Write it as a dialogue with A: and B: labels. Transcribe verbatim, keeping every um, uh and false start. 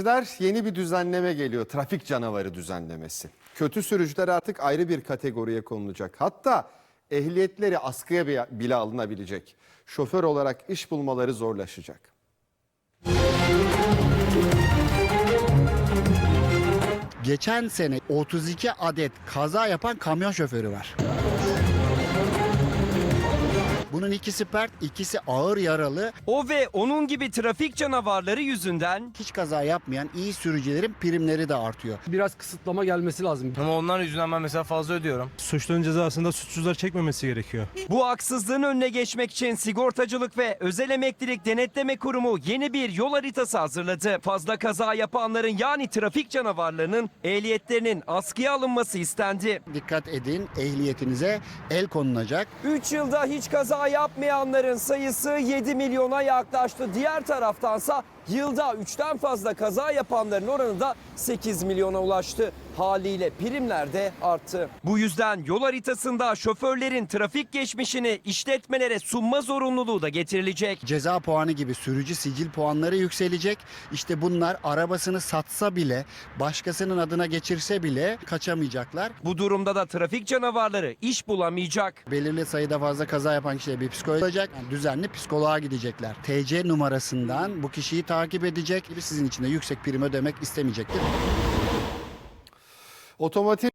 A: seyirciler, yeni bir düzenleme geliyor. Trafik canavarı düzenlemesi. Kötü sürücüler artık ayrı bir kategoriye konulacak. Hatta ehliyetleri askıya bile alınabilecek. Şoför olarak iş bulmaları zorlaşacak.
B: Geçen sene otuz iki adet kaza yapan kamyon şoförü var. Bunun ikisi pert, ikisi ağır yaralı.
C: O ve onun gibi trafik canavarları yüzünden
B: Hiç kaza yapmayan iyi sürücülerin primleri de artıyor.
D: Biraz kısıtlama gelmesi lazım.
E: Ama onlar yüzünden ben mesela fazla ödüyorum.
F: Suçların cezasında suçsuzlar çekmemesi gerekiyor.
C: bu haksızlığın önüne geçmek için Sigortacılık ve Özel Emeklilik Denetleme Kurumu yeni bir yol haritası hazırladı. Fazla kaza yapanların, yani trafik canavarlarının ehliyetlerinin askıya alınması istendi.
B: Dikkat edin, ehliyetinize el konulacak.
C: üç yılda hiç kaza yapmayanların sayısı yedi milyona yaklaştı. Diğer taraftansa yılda üçten fazla kaza yapanların oranı da sekiz milyona ulaştı. Haliyle primler de arttı. Bu yüzden yol haritasında şoförlerin trafik geçmişini işletmelere sunma zorunluluğu da getirilecek.
B: Ceza puanı gibi sürücü sicil puanları yükselecek. İşte bunlar arabasını satsa bile, başkasının adına geçirse bile kaçamayacaklar.
C: Bu durumda da trafik canavarları iş bulamayacak.
B: Belirli sayıda fazla kaza yapan kişiye bir psikolog olacak. Yani düzenli psikoloğa gidecekler. T C numarasından bu kişiyi takip edecek. Sizin için de yüksek prim ödemek istemeyecektir.
A: Otomotiv